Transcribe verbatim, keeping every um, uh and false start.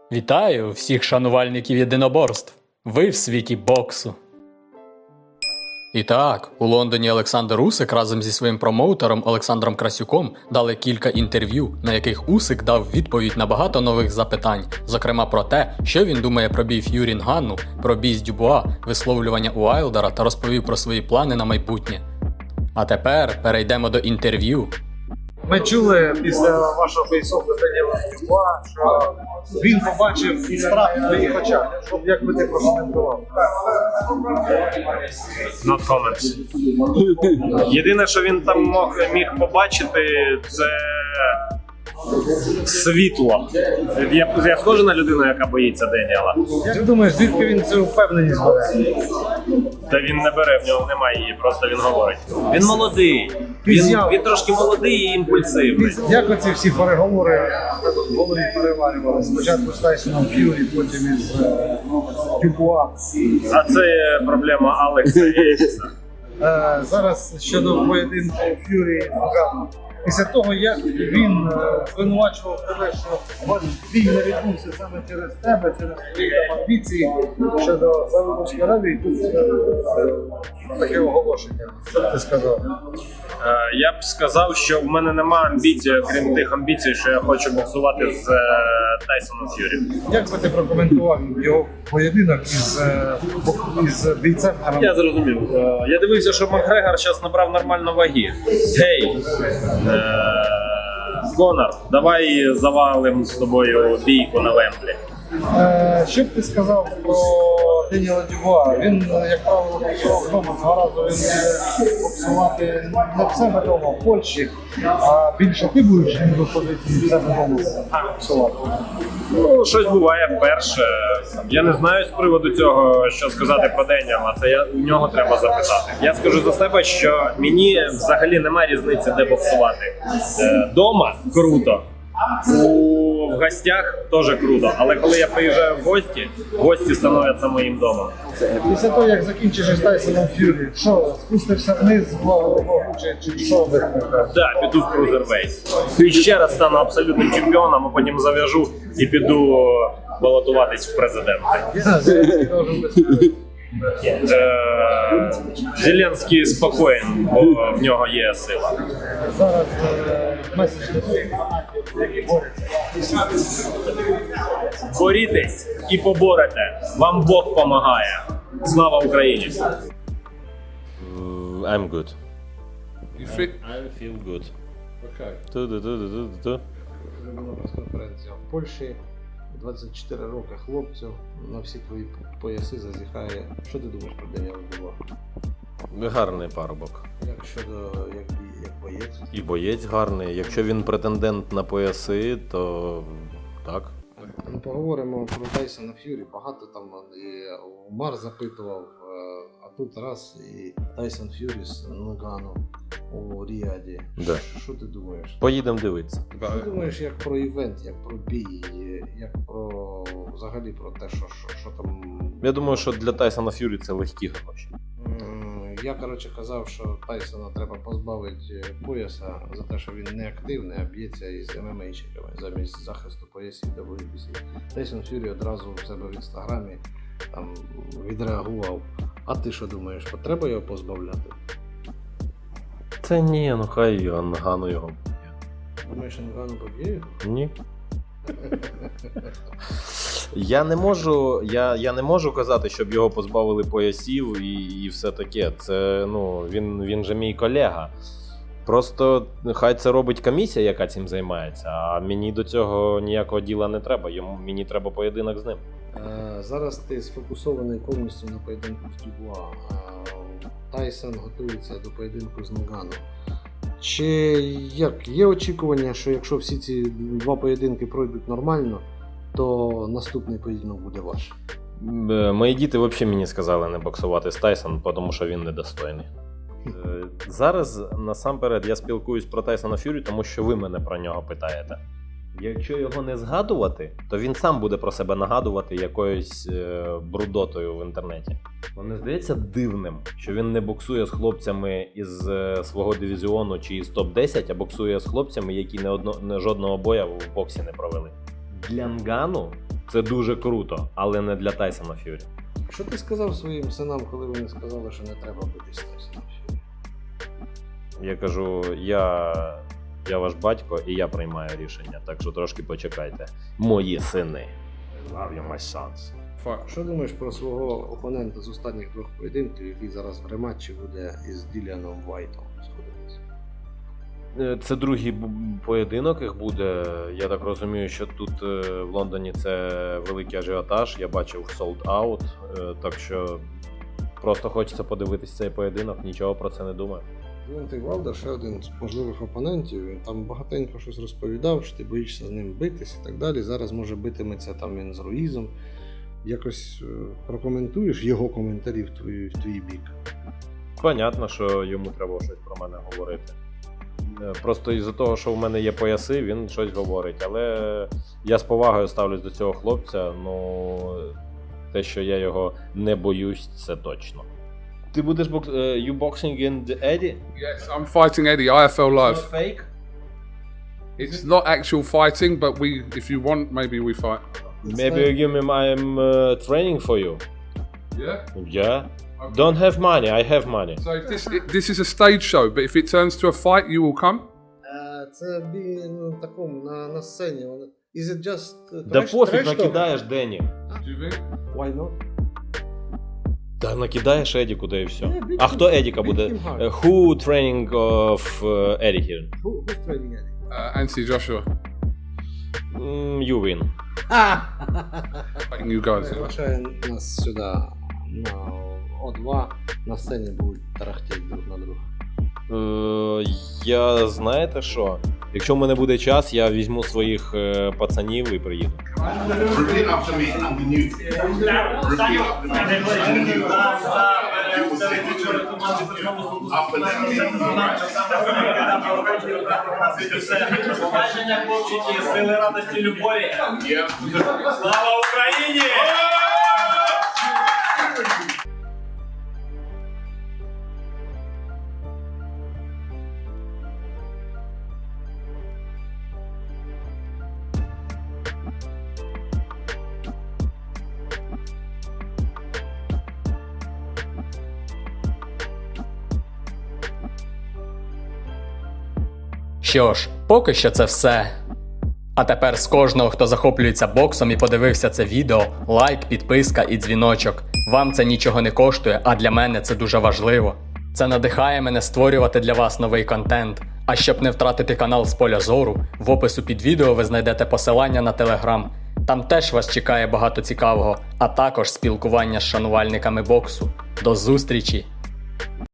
Вітаю всіх шанувальників єдиноборств. Ви в світі боксу. І так, у Лондоні Олександр Усик разом зі своїм промоутером Олександром Красюком дали кілька інтерв'ю, на яких Усик дав відповідь на багато нових запитань, зокрема про те, що він думає про бій Ф'юрі Нганну, про бій з Дюбуа, висловлювання Уайлдера та розповів про свої плани на майбутнє. А тепер перейдемо до інтерв'ю. Ми чули після вашого фейсового Даніела Дюбуа, що він побачив страх в твоїх очах. Як би ти прокоментував? Not comments. Єдине, що він там мог, міг побачити, це світло. Я, я схожа на людину, яка боїться Деніела. Як ти думаєш, звідки він цю впевненість бере? Та він не бере, в нього немає її, просто він говорить. Він молодий. Він, він трошки молодий і імпульсивний. Як оці всі переговори в голові переварювали? Спочатку з Тайсоном Ф'юрі, потім із е, Дюбуа. А це проблема Алекса і Еліса. Е, зараз щодо поєдинку Ф'юрі і Нганну. Після того, як він е, звинувачував тебе, що бій не відбувся саме через тебе, через твої там амбіції щодо Саудовської Аравії, тут е, таке оголошення. Що б ти сказав? Е, Я б сказав, що в мене немає амбіцій, окрім тих амбіцій, що я хочу боксувати з е, Тайсоном Ф'юрі. Як би ти прокоментував його поєдинок із, е, із бійцем? Я зрозумів. Е, Я дивився, що Макгрегор зараз набрав нормально ваги. Гей, е, Конор, давай завалим з тобою бійку на Вемблі. Е, Що б ти сказав про Деніела Дюбуа? Він, як правило, боксував вдома. Цього разу він буде боксувати не в себе вдома, в Польщі, а більше ти будеш виходити в себе вдома боксувати. Ну, щось буває вперше. Я не знаю з приводу цього, що сказати про Деніела. Це я, у нього треба запитати. Я скажу за себе, що мені взагалі немає різниці, де боксувати. Е, Дома круто. У в гостях теж круто, але коли я приїжджаю в гості, гості становляться моїм домом. Після того, як закінчиш із Тайсоном Ф'юрі, що, спустився вниз, вагу чи, чи що викликає? Так, да, піду в крузервейт. І ще раз стану абсолютним чемпіоном, а потім зав'яжу і піду балотуватись в президенти. Е, Зеленський спокоєн, бо в нього є сила. Зараз е, меседж до всіх, які борються. Борітесь і поборете. Вам Бог помагає. Слава Україні! I'm good. You fit? I feel good. Okay. Ту-ду-ду-ду-ду-ду. Була прес-конференція в Польщі. двадцять чотири роки хлопцю, на всі твої пояси зазіхає. Що ти думаєш про Деніела Дюбуа? Гарний парубок. Як щодо як, бій- як боєць? І боєць гарний. Якщо він претендент на пояси, то так. Ну, поговоримо про Тайсона Ф'юрі. Багато там і Умар запитував, е, а тут раз і Тайсон Ф'юрі з Нгану у Ріаді. Да. Що ти думаєш? Поїдемо дивитися. Що ти думаєш як про івент, як про бій, як про взагалі про те, що, що, що там. Я думаю, що для Тайсона Ф'юрі це легкі гроші. М, Я, коротше, казав, що Тайсона треба позбавити пояса за те, що він не активний, а б'ється із ем ем ейщиками замість захисту поясів дабл ю бі сі. Тайсон Ф'юрі одразу в себе в інстаграмі там відреагував. А ти що думаєш, треба його позбавляти? Це ні, ну хай Нгану його. Думаєш, Нгану поб'є його? Ні. Я не можу, я, я не можу казати, щоб його позбавили поясів і, і все таке. Це, ну, він, він же мій колега. Просто хай це робить комісія, яка цим займається, а мені до цього ніякого діла не треба. Йому, мені треба поєдинок з ним. Е, Зараз ти сфокусований повністю на поєдинку з Дюбуа. Е, Тайсон готується до поєдинку з Нгану. Чи як є очікування, що якщо всі ці два поєдинки пройдуть нормально, то наступний поєдинок буде ваш? Е, Мої діти взагалі мені сказали не боксувати з Тайсоном, тому що він недостойний. Е, Зараз насамперед я спілкуюсь про Тайсона Ф'юрі, тому що ви мене про нього питаєте. Якщо його не згадувати, то він сам буде про себе нагадувати якоюсь е, брудотою в інтернеті. Мені здається дивним, що він не боксує з хлопцями із е, свого дивізіону чи із топ десять, а боксує з хлопцями, які не одно, не жодного боя в боксі не провели. Для Нгану Це дуже круто, але не для Тайсона Ф'юрі. Що ти сказав своїм синам, коли вони сказали, що не треба битись з Тайсоном Ф'юрі? Я кажу, я, я ваш батько і я приймаю рішення, так що трошки почекайте. Мої сини. I love you, my sons. Fight. Що думаєш про свого опонента з останніх двох поєдинків, який зараз в рематчі буде із Діліаном Вайтом сходитися? Е, Це другий бу- поєдинок їх буде. Я так розумію, що тут е, в Лондоні це великий ажіотаж. Я бачив sold out, е, так що просто хочеться подивитись цей поєдинок, нічого про це не думаю. Діонтей Вайлдер ще один з можливих опонентів. Він там багатенько щось розповідав, що ти боїшся з ним битись і так далі. Зараз може битиметься там він з Руїзом. Якось е, прокоментуєш його коментарі в твій, в твій бік. Понятно, що йому треба щось про мене говорити. Е, Просто із-за того, що в мене є пояси, він щось говорить. Але я з повагою ставлюсь до цього хлопця. Ну, те, що я його не боюсь, це точно. Ти будеш бокс... You boxing in the Eddie? Yes, I'm fighting Eddie, I F L Live. fake? It's not actual fighting, but we, if you want, maybe we fight. Maybe you give me my um, uh, training for you. Yeah. Yeah? Don't have money, I have money. So if this this is a stage show, but if it turns to a fight, you will come. Е, Це бій ну, такому на, на сцені. Вони- Is it just uh, Да trash- пофіг, trash talk? накидаєш Дені. Do you think? Why not? Та накидаєш Едіку, да і все. Yeah, beat А him- хто Едіка beat буде? him hard. Е, Who training of uh, Eddie here? Who, who's training Eddie? Uh, Anthony Joshua, Mm, you win. fighting you guys. Приглашає нас сюди на О два. На сцені будуть тарахтіти друг на друга. Е, я знаєте що? Якщо в мене буде час, я візьму своїх е, пацанів і приїду. Repeat after me. I'm the new. Repeat after me. You will say the truth. After Побачення, хлопчики, сили, радості, любові. Yeah. Слава Україні! Що ж, поки що це все. А тепер з кожного, хто захоплюється боксом і подивився це відео, лайк, підписка і дзвіночок. Вам це нічого не коштує, а для мене це дуже важливо. Це надихає мене створювати для вас новий контент. А щоб не втратити канал з поля зору, в опису під відео ви знайдете посилання на Телеграм. Там теж вас чекає багато цікавого, а також спілкування з шанувальниками боксу. До зустрічі!